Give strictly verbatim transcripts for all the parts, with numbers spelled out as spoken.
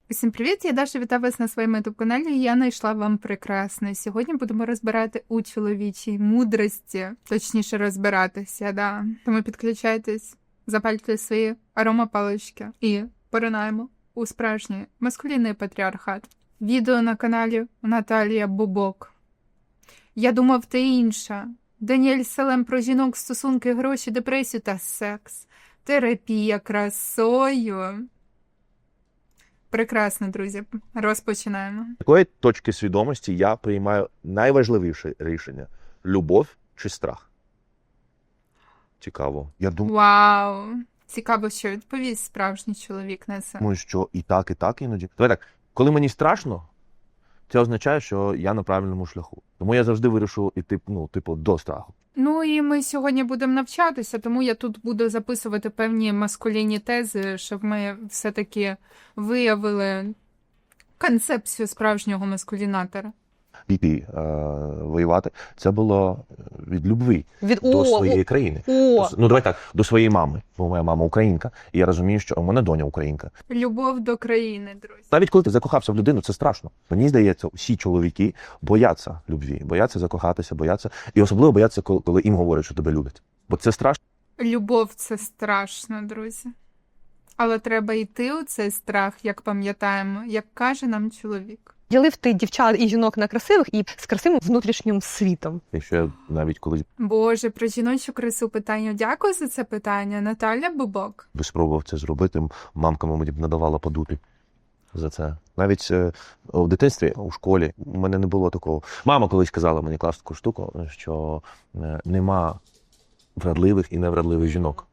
Усім привіт! Я Даша, вітаю вас на своєму ютуб-каналі, і я знайшла вам прекрасне. Сьогодні будемо розбирати у чоловічій мудрості, точніше розбиратися, да. Тому підключайтесь, запальте свої аромапалички і поринаємо у справжній маскулінний патріархат. Відео на каналі Наталія Бубок. Я думав, ти інша. Даніель Салем про жінок, стосунки, гроші, депресію та секс. Терапія красою. Прекрасно, друзі. Розпочинаємо. З такої точки свідомості я приймаю найважливіше рішення – любов чи страх. Цікаво. Я Вау! Цікаво, що відповість справжній чоловік на це. думаю, що і так, і так іноді. Давай так, коли мені страшно, це означає, що я на правильному шляху. Тому я завжди вирішив іти, ну, типу, до страху. Ну і ми сьогодні будемо навчатися, тому я тут буду записувати певні маскулінні тези, щоб ми все-таки виявили концепцію справжнього маскулінатора. Піти е, воювати – це було від любви Від до о, своєї о, країни. О, До, ну, давай так, до своєї мами. Бо моя мама українка, і я розумію, що у мене доня українка. Любов до країни, друзі. Навіть коли ти закохався в людину, це страшно. Мені здається, всі чоловіки бояться любві, бояться закохатися, бояться. І особливо бояться, коли коли їм говорять, що тебе люблять. Бо це страшно. Любов – це страшно, друзі. Але треба йти у цей страх, як пам'ятаємо, як каже нам чоловік. ділив ти дівчат і жінок на красивих і з красивим внутрішнім світом. Якщо я навіть коли Боже, про жіночу красу питання. Дякую за це питання. Наталя Бубок. би спробував це зробити, мамка мені б надавала по дупі за це. Навіть е, у дитинстві, у школі, у мене не було такого. Мама колись казала мені класну таку штуку, що е, нема вродливих і невродливих жінок.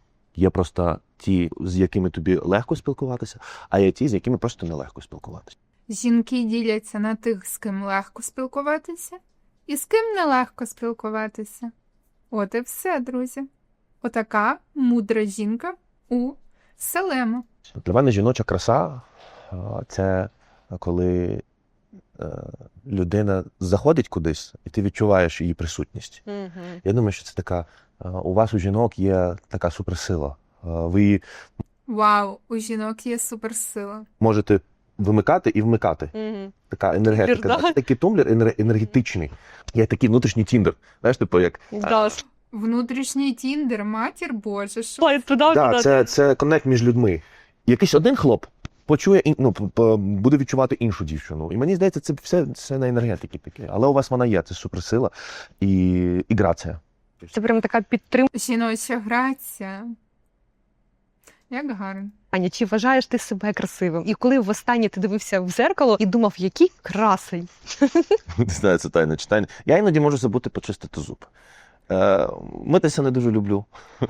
Є просто ті, з якими тобі легко спілкуватися, а є ті, з якими просто нелегко спілкуватися. Жінки діляться на тих, з ким легко спілкуватися, і з ким нелегко спілкуватися. От і все, друзі. Отака мудра жінка у Салема. Для мене жіноча краса – це коли е, людина заходить кудись, і ти відчуваєш її присутність. Угу. Я думаю, що це така, е, у вас, у жінок, є така суперсила. Е, Ви її Вау, у жінок є суперсила. можете вимикати і вмикати. Угу. Така енергетика. Тумблер, да? Це такий тумблер енер- енергетичний. Є такий внутрішній тіндер. Знаєш, типу, як... Да, Внутрішній тіндер, матір Боже, що? слайд туди, Да, туди. це, це коннект між людьми. Якийсь один хлоп почує, ін- ну, п- п- буде відчувати іншу дівчину. І мені здається, це все, все на енергетики таке. Але у вас вона є, це суперсила і, і грація. Це прям така підтримка. Жіноча грація. Як гарно. Чи вважаєш ти себе красивим? І коли востаннє ти дивився в зеркало і думав, який красень. Не знаю, це тайне читання. Я іноді можу забути почистити зуб. Е, митися не дуже люблю.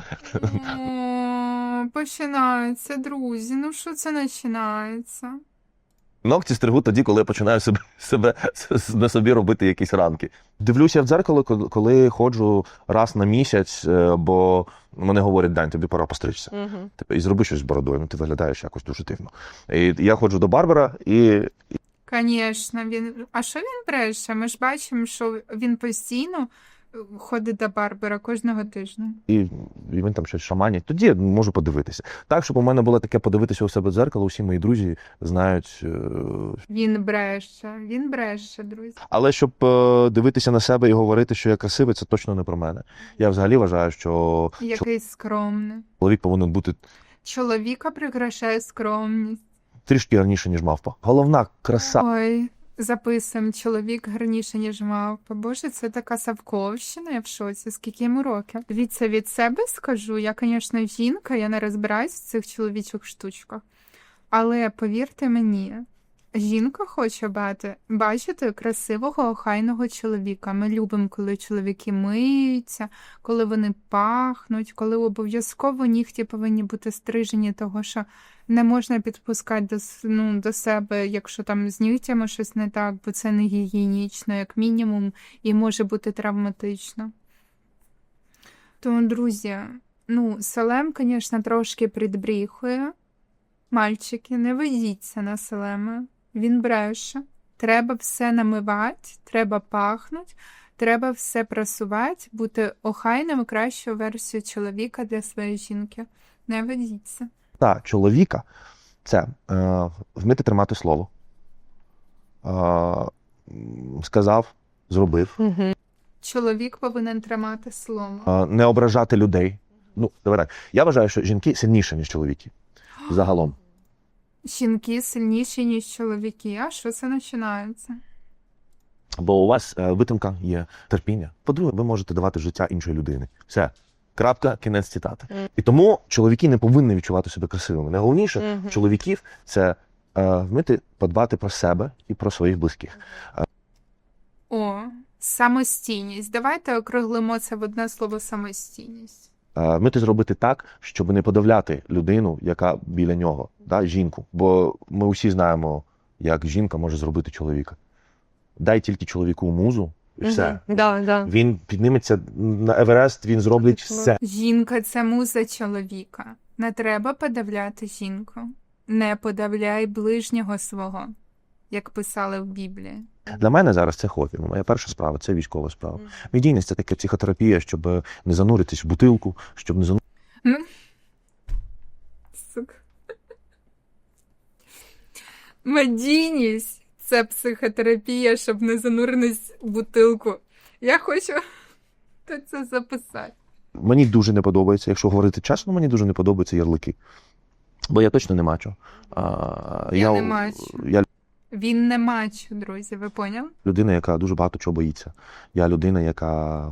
О, починається, друзі. Ну що це починається? Ногті стригу тоді, коли я починаю себе, себе на собі робити якісь ранки. Дивлюся в дзеркало, коли- коли ходжу раз на місяць, е, бо мене говорять: Дань, тобі пора постричся. Угу. Типу, і зроби щось з бородою, ну ти виглядаєш якось дуже дивно. І я ходжу до барбера, і Звісно, він. А що він бреше? Ми ж бачимо, що він постійно ходить до барбера кожного тижня. І, і він там щось шаманить. Тоді я можу подивитися. Так, щоб у мене було таке подивитися у себе в дзеркало, усі мої друзі знають. е, Він бреше, він бреше, друзі. Але щоб е, дивитися на себе і говорити, що я красивий, це точно не про мене. Я взагалі вважаю, що Який скромний. чоловік повинен бути Чоловіка прикрашає скромність. трішки гарніше, ніж мавпа. Головна краса. Ой, записуємо, чоловік гарніше, ніж мавпа. Боже, це така Савковщина, я в шоці. Скільки йому років? Дивіться, від себе скажу, я, звісно, жінка, я не розбираюсь в цих чоловічих штучках. Але повірте мені, жінка хоче бати, бачити красивого, охайного чоловіка. Ми любимо, коли чоловіки миються, коли вони пахнуть, коли обов'язково нігті повинні бути стрижені, того що не можна підпускати до, с- ну, до себе, якщо там з нігтями щось не так, бо це не гігієнічно, як мінімум, і може бути травматично. Тому, друзі, ну, Салем, звісно, трошки підбріхує. Мальчики, не ведіться на Салема. Він бреше. Треба все намивати, треба пахнути, треба все прасувати, бути охайним, кращою версією чоловіка для своєї жінки. Не ведіться. Та чоловіка Це е, вміти тримати слово. Е, м, сказав, зробив. Угу. Чоловік повинен тримати слово. Е, не ображати людей. Ну, давай так. Я вважаю, що жінки сильніші, ніж чоловіки. Загалом. Жінки сильніші, ніж чоловіки. А що це починається? Бо у вас е, витримка є, терпіння. По-друге, ви можете давати життя іншої людини. Все. Крапка, кінець цитати. Мгм. І тому чоловіки не повинні відчувати себе красивими. Найголовніше Мгм. чоловіків це е, вміти подбати про себе і про своїх близьких. О, самостійність. Давайте округлимо це в одне слово самостійність. Е, вміти зробити так, щоб не подавляти людину, яка біля нього, да, жінку. Бо ми усі знаємо, як жінка може зробити чоловіка. Дай тільки чоловіку музу, і все. Угу. Да, да. Він підніметься на Еверест, він зробить Точно. все. Жінка – це муза чоловіка. Не треба подавляти жінку. Не подавляй ближнього свого, як писали в Біблії. Для мене зараз це хобі. Моя перша справа це військова справа. Медійність це таке психотерапія, щоб не зануритись в бутилку, щоб не зануритись. Ну, сука. Медійність – це психотерапія, щоб не зануритись в бутилку. Я хочу це записати. Мені дуже не подобається, якщо говорити чесно, мені дуже не подобаються ярлики. Бо я точно не мачо. А, Я не мачо. Я Він не мачо, друзі, ви поняли? людина, яка дуже багато чого боїться. Я людина, яка.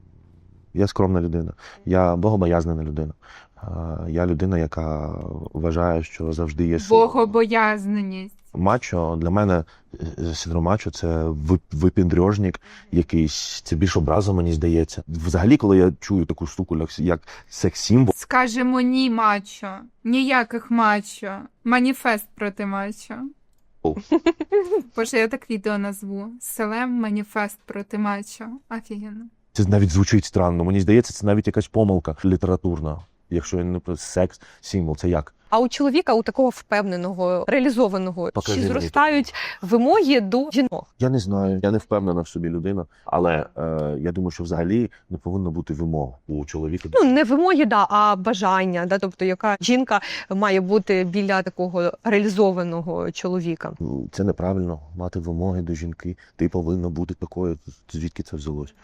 Я скромна людина. Я богобоязнена людина. А, Я людина, яка вважає, що завжди є сила. Богобоязненість. Мачо, для мене е, синдром мачо – це вип- випіндрьожник якийсь, це більш образа, мені здається. Взагалі, коли я чую таку штуку, як, як секс-символ, Скажемо ні мачо. Ніяких мачо. Маніфест проти мачо. О. Боже, я так відео назву. Селем маніфест проти мачо. Офігенно. це навіть звучить странно. Мені здається, це навіть якась помилка літературна. Якщо я не про секс-символ, це як? А у чоловіка, у такого впевненого, реалізованого, Покажи чи мені зростають вимоги до жінок? Я не знаю, я не впевнена в собі людина, але е, я думаю, що взагалі не повинно бути вимог у чоловіка. Ну, не вимоги, да, а бажання, да, тобто яка жінка має бути біля такого реалізованого чоловіка. Це неправильно, мати вимоги до жінки. Ти повинна бути такою. Звідки це взялось?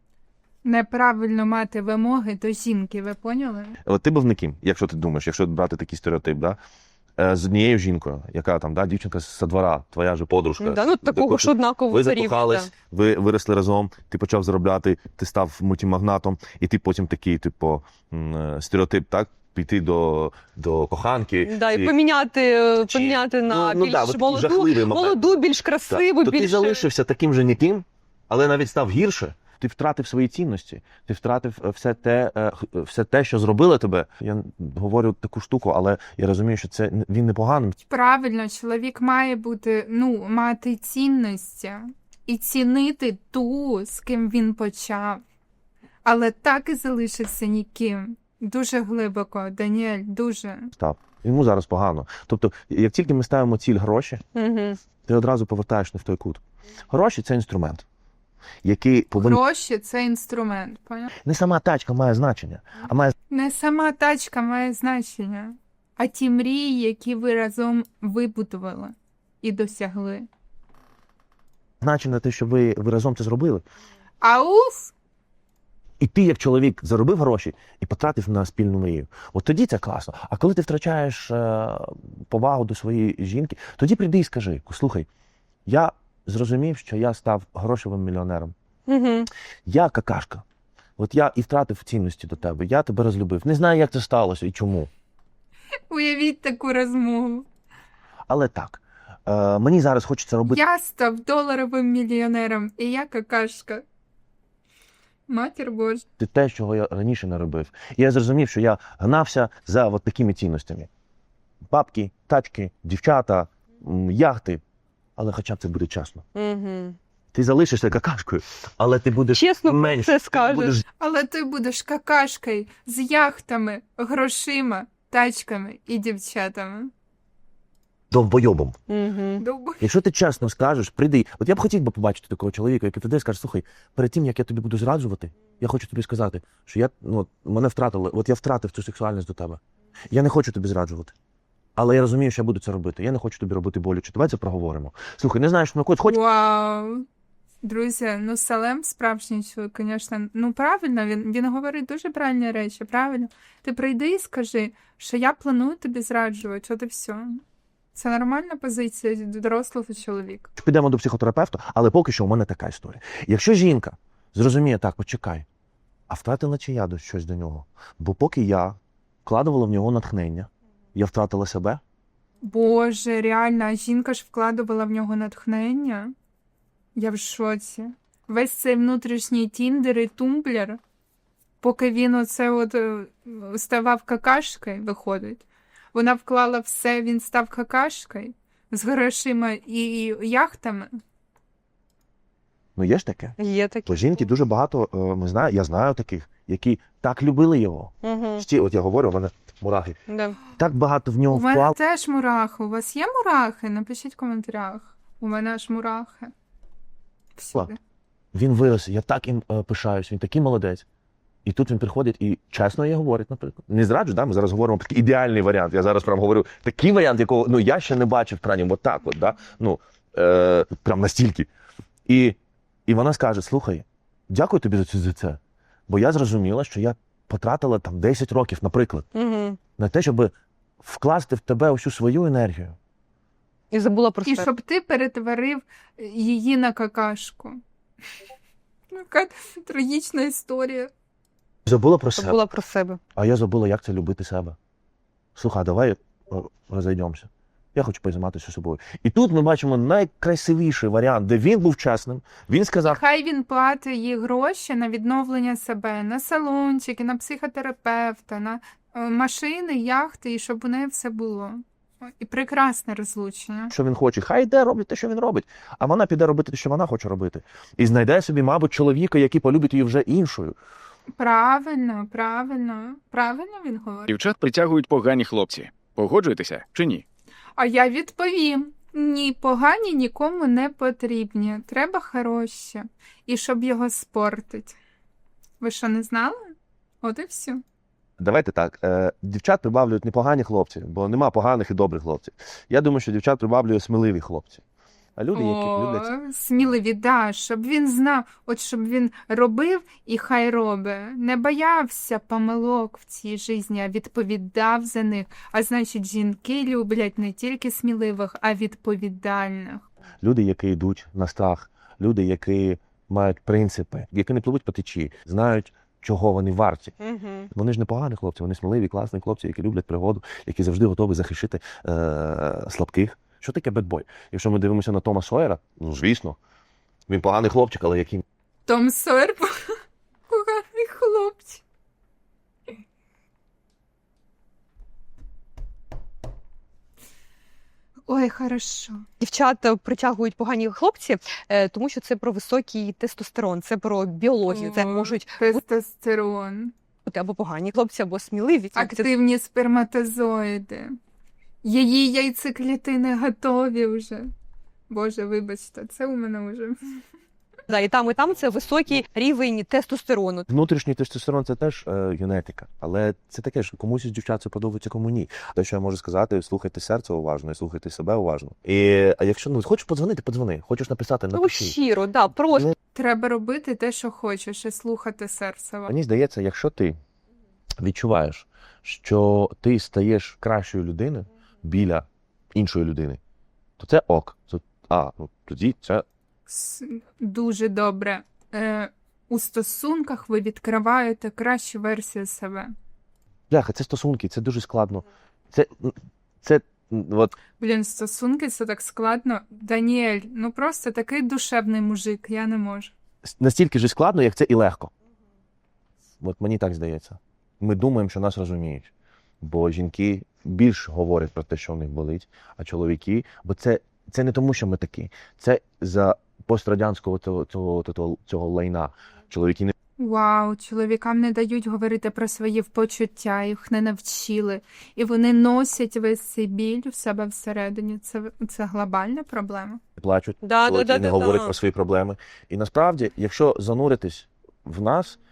Неправильно мати вимоги до жінки, ви поняли? От ти був не ким, якщо ти думаєш, якщо брати такий стереотип, да? Е, з однією жінкою, яка там, да, дівчинка з двора, твоя же подружка. Да, ну, такого ж однакового Ви рівня, закохались, ви виросли разом, ти почав заробляти, ти став мультимагнатом, і ти потім такий, типу, м, е, стереотип, так? Піти до, до коханки. Да, і поміняти, Чи- поміняти на ну, ну, більш да, от такий молоду, жахливий момент. молоду, більш Так. красиву, То більш... ти залишився таким же ніким, але навіть став гірше. Ти втратив свої цінності, ти втратив е, все те, е, х- все те, що зробило тебе. Я говорю таку штуку, але я розумію, що це н- він непоганим. Правильно, чоловік має бути, ну, мати цінності і цінити ту, з ким він почав. Але так і залишився ніким. Дуже глибоко, Даніель, дуже. Став. Йому зараз погано. Тобто, як тільки ми ставимо ціль гроші, Угу. ти одразу повертаєш не в той кут. Гроші це інструмент, який повинен. Гроші – це інструмент, поняв? Не сама тачка має значення, а має Не сама тачка має значення, а ті мрії, які ви разом вибудували і досягли. значення те, що ви, ви разом це зробили. Ауф! І ти, як чоловік, заробив гроші і потратив на спільну мрію. От тоді це класно. А коли ти втрачаєш е, повагу до своєї жінки, тоді прийди і скажи: слухай, я зрозумів, що я став грошовим мільйонером. Угу. Я какашка. От я і втратив цінності до тебе. Я тебе розлюбив. Не знаю, як це сталося і чому. Уявіть таку розмову. Але так, е, мені зараз хочеться робити. Я став доларовим мільйонером, і я какашка. Матір Божа. те, чого я раніше не робив. І я зрозумів, що я гнався за от такими цінностями. Бабки, тачки, дівчата, м, яхти. Але хоча б це буде чесно. Угу. Ти залишишся какашкою, але ти будеш Чесно менше. це скажеш. Будеш Але ти будеш какашкою з яхтами, грошима, тачками і дівчатами. довбойобом. Угу. Довбо. Якщо ти чесно скажеш, прийди. От я б хотів би побачити такого чоловіка, який прийде і скаже: слухай, перед тим, як я тобі буду зраджувати, я хочу тобі сказати, що я, ну, от, мене втратили, от я втратив цю сексуальність до тебе. Я не хочу тобі зраджувати. Але я розумію, що я буду це робити. Я не хочу тобі робити боляче. Давай це проговоримо. Слухай, не знаєш, ну хоч хоч Вау. Друзі, ну Салем справжній чоловік, звісно. Ну правильно, він, він говорить дуже правильні речі, правильно. Ти прийди і скажи, що я планую тобі зраджувати, от і все. Це нормальна позиція дорослого чоловіка. підемо до психотерапевта, але поки що у мене така історія. Якщо жінка зрозуміє, так, почекай, а втратила чи я до щось до нього? Бо поки я вкладувала в нього натхнення, я втратила себе. Боже, реально, а жінка ж вкладувала в нього натхнення. Я в шоці. Весь цей внутрішній тіндер і тумблер, поки він оце от е, ставав какашкою, виходить. Вона вклала все, він став какашкою з грошима і яхтами. Ну є ж таке. Є такі. Бо жінки дуже багато, е, ми знаю, я знаю таких, які так любили його. Угу. Сті, от я говорю, у мене мурахи. Да. Так багато в нього У мене вклали. теж мурахи. У вас є мурахи? Напишіть в коментарях. У мене аж мурахи. Всюди. Він вирос, я так їм е, пишаюсь, він такий молодець. І тут він приходить і чесно їй говорить, наприклад. Не зраджу, да? Ми зараз говоримо про такий ідеальний варіант. Я зараз прям говорю, такий варіант, якого ну, я ще не бачив, прям от так от, да? Ну, е, прям настільки. І, і вона скаже, слухай, дякую тобі за це, за це. Бо я зрозуміла, що я потратила там десять років, наприклад, Угу. на те, щоб вкласти в тебе усю свою енергію. І забула про І себе. щоб ти перетворив її на какашку. Яка трагічна історія. Забула про себе. Забула про себе. А я забула, як це любити себе. Слухай, давай о, розійдемося. Я хочу позайматися собою. І тут ми бачимо найкрасивіший варіант, де він був чесним. Він сказав, Хай він платить їй гроші на відновлення себе, на салончики, на психотерапевта, на е, машини, яхти, і щоб у неї все було. І прекрасне розлучення. що він хоче. Хай йде робить те, що він робить. А вона піде робити те, що вона хоче робити. І знайде собі, мабуть, чоловіка, який полюбить її вже іншою. Правильно, правильно, правильно він говорить. Дівчат притягують погані хлопці. Погоджуєтеся чи ні? А я відповім: ні, погані нікому не потрібні. Треба хороші. І щоб його спортить. Ви що, не знали? От і все. Давайте так, е, дівчат прибавлюють не погані хлопці, бо нема поганих і добрих хлопців. Я думаю, що дівчат прибавлює сміливі хлопці. А люди, які люблять... О, сміливі, да, щоб він знав, от щоб він робив і хай робить. Не боявся помилок в цій житті, а відповідав за них. А значить, жінки люблять не тільки сміливих, а відповідальних. Люди, які йдуть на страх, люди, які мають принципи, які не пливуть по течії, знають, чого вони варті. Угу. Вони ж не погані хлопці, вони сміливі, класні хлопці, які люблять пригоду, які завжди готові захищати е- слабких. Що таке бедбой? Якщо ми дивимося на Тома Сойера, ну, звісно, він поганий хлопчик, але який Том Сойер поганий хлопчик. Ой, хорошо. Дівчата притягують погані хлопці, е, тому що це про високий тестостерон, це про біологію. Це О, можуть тестостерон. бути або погані хлопці, або сміливі. Це- Активні сперматозоїди. Її яйцеклітини готові вже. Боже, вибачте, це у мене вже. Да, і там, і там це високий рівень тестостерону. внутрішній тестостерон це теж е, генетика, але це таке ж комусь із дівчат це подобається, кому ні. Те, що я можу сказати, слухайте серце уважно і слухайте себе уважно. І а якщо ну хочеш подзвонити, подзвони. Хочеш написати, Ну, напиши. щиро, да, просто. Треба робити те, що хочеш, і слухати серце. Мені здається, якщо ти відчуваєш, що ти стаєш кращою людиною біля іншої людини, то це ок. Це, а, ну тоді це С- Дуже добре. Е, у стосунках ви відкриваєте кращу версію себе. бляха, це стосунки, це дуже складно. Це, це от Блін, стосунки це так складно. Даніель, ну просто такий душевний мужик, я не можу. настільки ж складно, як це і легко. От мені так здається. Ми думаємо, що нас розуміють. Бо жінки більш говорять про те, що в них болить, а чоловіки, бо це, це не тому, що ми такі. Це за пострадянського цього, цього, цього, цього лайна. Чоловіки не Вау, чоловікам не дають говорити про свої почуття, їх не навчили. І вони носять весь цей біль в себе всередині. Це, це глобальна проблема. плачуть, Да, чоловіки да, да, не да, говорять да. про свої проблеми. І насправді, якщо зануритись в нас,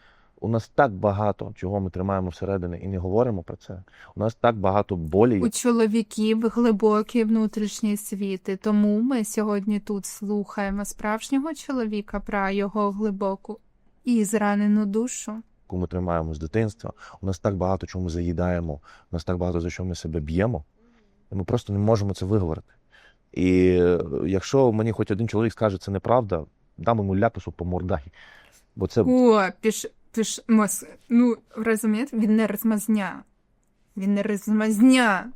У нас так багато, чого ми тримаємо всередині і не говоримо про це. У нас так багато болі. У чоловіків глибокі внутрішні світи, тому ми сьогодні тут слухаємо справжнього чоловіка про його глибоку і зранену душу. яку ми тримаємо з дитинства. У нас так багато чого ми заїдаємо, у нас так багато за що ми себе б'ємо, і ми просто не можемо це виговорити. І е, якщо мені хоч один чоловік скаже, це неправда, дам йому ляпису по мордагі. Бо це, О, піш, піш, мос, ну, розумієте, він не розмазня. Він не розмазня.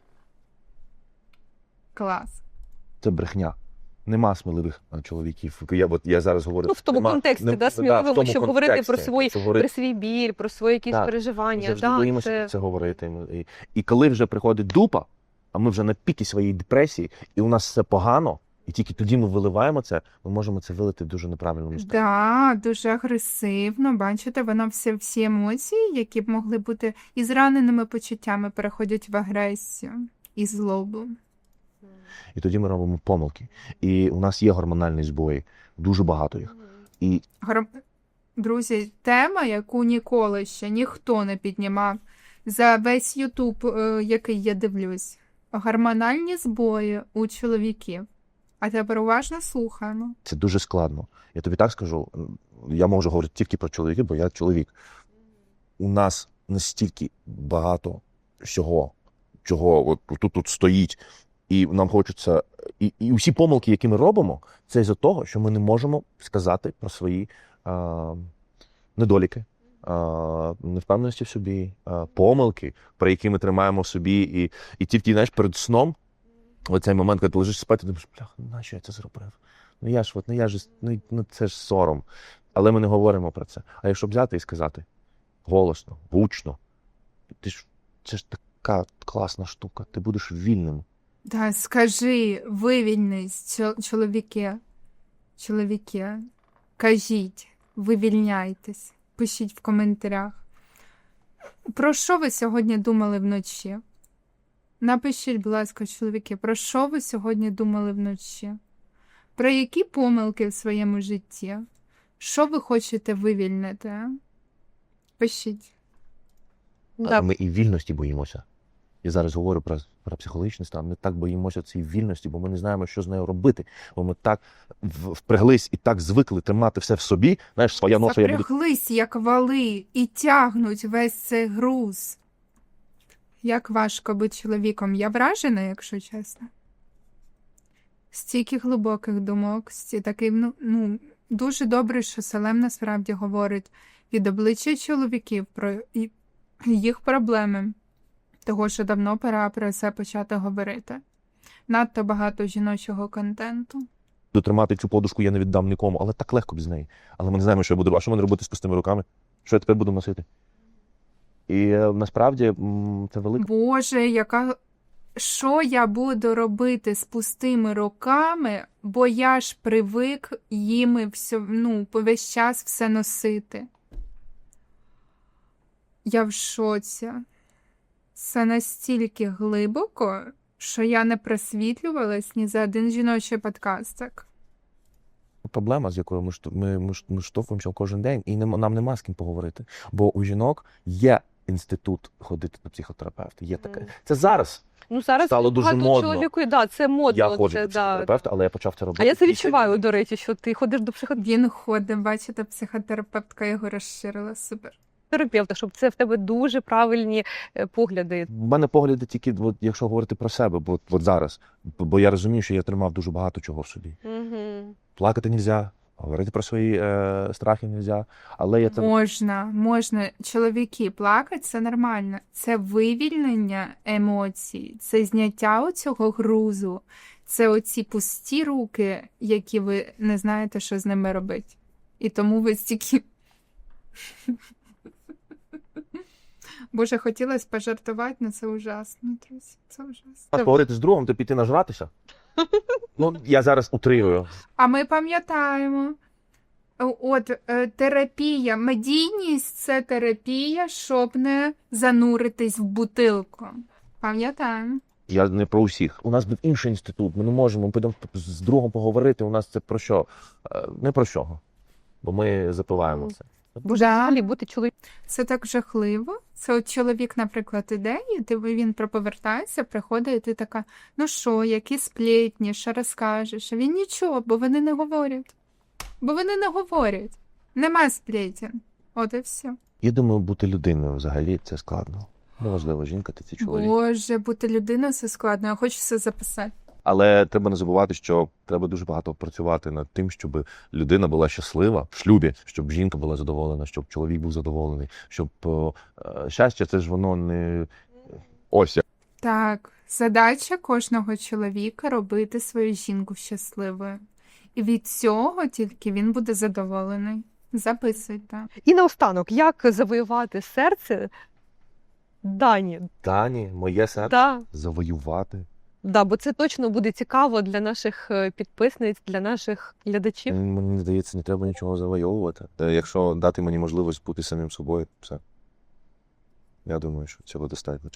Клас. це брехня. Нема сміливих е, чоловіків. Я, от, я зараз говорю... Ну, в тому нема- контексті, не- да, в сміливими, тому щоб говорити про контексті, свої, що говорити- про свій біль, про свої якісь Так, переживання. завжди Да, боїмося це... це говорити. І, і коли вже приходить дупа, а ми вже на пікі своєї депресії, і у нас все погано, і тільки тоді ми виливаємо це, ми можемо це вилити в дуже неправильному стані. Да, дуже агресивно. Бачите, воно все, всі емоції, які б могли бути і зраненими почуттями, переходять в агресію і злобу. І тоді ми робимо помилки. І у нас є гормональні збої, дуже багато їх. І Гор... Друзі, тема, яку ніколи ще ніхто не піднімав за весь Ютуб, е, який я дивлюсь. Гормональні збої у чоловіків. А тепер уважно слухаємо. це дуже складно. Я тобі так скажу, я можу говорити тільки про чоловіків, бо я чоловік. У нас настільки багато всього, чого от тут, тут стоїть, і нам хочеться. І, і усі помилки, які ми робимо, це із-за того, що ми не можемо сказати про свої а, недоліки, а, невпевненості в собі, а, помилки, про які ми тримаємо в собі. І, і тільки, знаєш, перед сном, оцей момент, коли ти лежиш спати, ти думаєш, бляха, нащо я це зробив? Ну я ж, от, ну я ж, ну, ну це ж сором. Але ми не говоримо про це. А якщо взяти і сказати голосно, гучно, ти ж, це ж така класна штука, ти будеш вільним. Да, скажи, вивільнись, чо- чоловіки. Чоловіки. Кажіть, вивільняйтесь. Пишіть в коментарях. Про що ви сьогодні думали вночі? Напишіть, будь ласка, чоловіки, про що ви сьогодні думали вночі? Про які помилки в своєму житті? Що ви хочете вивільнити? а? Пишіть. Але Да. ми і вільності боїмося. Я зараз говорю про, про психологічний стан. Ми так боїмося цієї вільності, бо ми не знаємо, що з нею робити. Бо ми так в- впряглись і так звикли тримати все в собі. Знаєш, своя ноша я буду. Запряглись, як вали, і тягнуть весь цей груз. Як важко бути чоловіком. Я вражена, якщо чесно. Стільки глибоких думок, сті такий, ну, ну, дуже добре, що Салем насправді говорить від обличчя чоловіків про і- їх проблеми. Того, що давно пора про це почати говорити. Надто багато жіночого контенту. Тримати цю подушку я не віддам нікому, але так легко без неї. Але ми не знаємо, що я буду робити. А що мене робити з пустими руками? Що я тепер буду носити? І е, насправді м, це велика Боже, яка... Що я буду робити з пустими руками, бо я ж привик їми все, ну, весь час все носити. Я в шоці. Це настільки глибоко, що я не просвітлювалась ні за один жіночий подкастик. проблема, з якою ми, шту- ми, ми, ш- ми штовхуємося кожен день, і нема- нам нема з ким поговорити. Бо у жінок є інститут ходити до психотерапевта. Є таке. Мгм. Це зараз. Ну, зараз Стало дуже багато модно. чоловіку, да, це модно. Я ходжу це, до да. психотерапевта, але я почав це робити. А я це після- відчуваю, до речі, що ти ходиш до психотерапевта, Він ходить, бачите, психотерапевтка його розширила. Супер. щоб це в тебе дуже правильні е, погляди. В мене погляди тільки, от, якщо говорити про себе, бо от зараз. Бо бо я розумію, що я тримав дуже багато чого в собі. Угу. Плакати нельзя, говорити про свої е, страхи нельзя, але я це Можна, можна. Чоловіки, плакати – це нормально. Це вивільнення емоцій, це зняття оцього грузу, це оці пусті руки, які ви не знаєте, що з ними робити. І тому ви стільки... Боже, хотілося пожартувати, але це ужасно, друзі. Це ужасно. поговорити з другом, то піти нажратися. Ну, я зараз утрирую. А ми пам'ятаємо. От е, терапія, медійність – це терапія, щоб не зануритись в бутилку. Пам'ятаємо. Я не про усіх. У нас був інший інститут. Ми не можемо ми підемо з другом поговорити. У нас це про що? Е, Не про що. Бо ми запиваємо Мгм. це. Боже, Да. взагалі бути чоловіком. Це так жахливо. Це от чоловік, наприклад, іде, і ти, він проповертається, приходить, і ти така, ну що, які сплетні, що розкажеш? А він нічого, бо вони не говорять. Бо вони не говорять. Нема сплетен. От і все. Я думаю, бути людиною взагалі це складно. Неважливо, жінка ти чи чоловік. Боже, бути людиною це складно, я хочу це записати. Але треба не забувати, що треба дуже багато працювати над тим, щоб людина була щаслива в шлюбі, щоб жінка була задоволена, щоб чоловік був задоволений, щоб е, щастя, це ж воно не ось як. Так, задача кожного чоловіка робити свою жінку щасливою. І від цього тільки він буде задоволений. Записуйте. І наостанок, як завоювати серце Дані? Дані, моє серце Да, завоювати. да, бо це точно буде цікаво для наших е, підписниць, для наших глядачів. Мені здається, не треба нічого завойовувати. Та якщо дати мені можливість бути самим собою, все. Я думаю, що цього достатньо.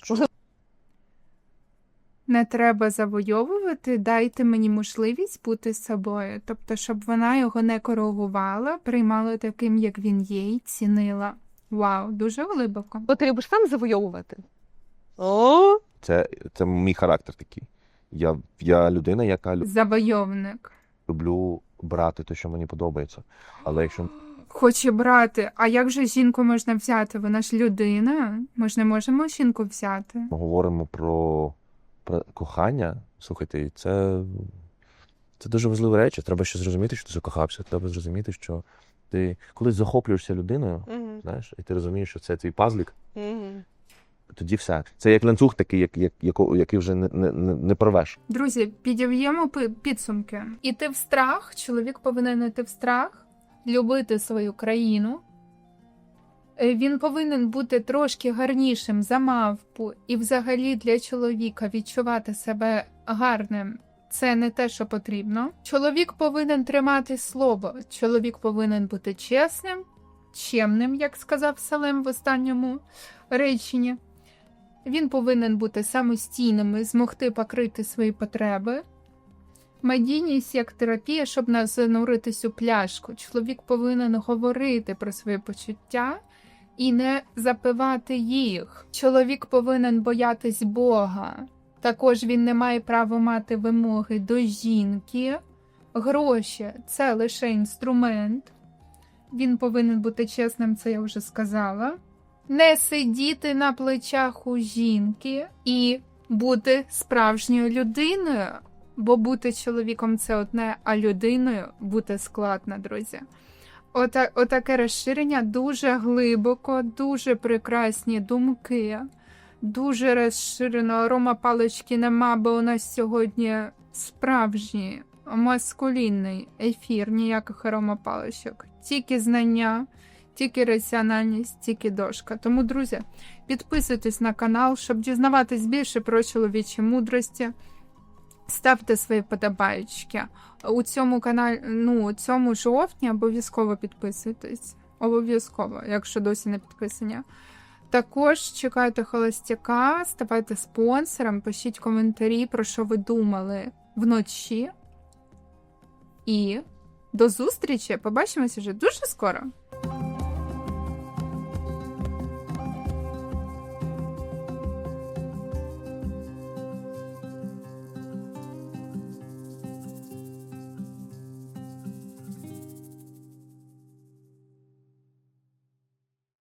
Не треба завойовувати, дайте мені можливість бути собою. Тобто, щоб вона його не коригувала, приймала таким, як він є, і цінила. Вау, дуже глибоко. То ти любиш сам завойовувати? О, Це, це мій характер такий. Я, я людина, яка лю- Завойовник. люблю брати те, що мені подобається. Але якщо Хоче брати. А як же жінку можна взяти? Вона ж людина. Ми ж не можемо жінку взяти. ми говоримо про, про кохання, слухайте, це, це дуже важливі речі. Треба ще зрозуміти, що ти закохався. Треба зрозуміти, що ти колись захоплюєшся людиною, Мгм, знаєш, і ти розумієш, що це твій пазлик, мгм. тоді все. Це як ланцюг такий, як, як, яко- який вже не, не, не, не порвеш. Друзі, підіб'ємо пи- підсумки. Іти в страх, чоловік повинен іти в страх, любити свою країну. Е, Він повинен бути трошки гарнішим за мавпу, і взагалі для чоловіка відчувати себе гарним. Це не те, що потрібно. Чоловік повинен тримати слово. Чоловік повинен бути чесним, чемним, як сказав Салем в останньому реченні. Він повинен бути самостійним і змогти покрити свої потреби. Медійність як терапія, щоб не зануритись у пляшку. Чоловік повинен говорити про свої почуття і не запивати їх. Чоловік повинен боятись Бога. Також він не має права мати вимоги до жінки. Гроші – це лише інструмент. Він повинен бути чесним, це я вже сказала. Не сидіти на плечах у жінки і бути справжньою людиною. Бо бути чоловіком – це одне, а людиною бути складно, друзі. Ота, отаке розширення дуже глибоко, дуже прекрасні думки, дуже розширено. Арома палички нема, бо у нас сьогодні справжній маскулінний ефір, ніяких аромапаличок. Тільки знання, тільки раціональність, тільки дошка. Тому, друзі, підписуйтесь на канал, щоб дізнаватись більше про чоловічі мудрості. Ставте свої подобаєчки. У цьому каналі, ну, у цьому жовтні обов'язково підписуйтесь. Обов'язково, якщо досі не підписані. Також чекайте холостяка, ставайте спонсором, пишіть коментарі, про що ви думали вночі. І до зустрічі! Побачимось вже дуже скоро!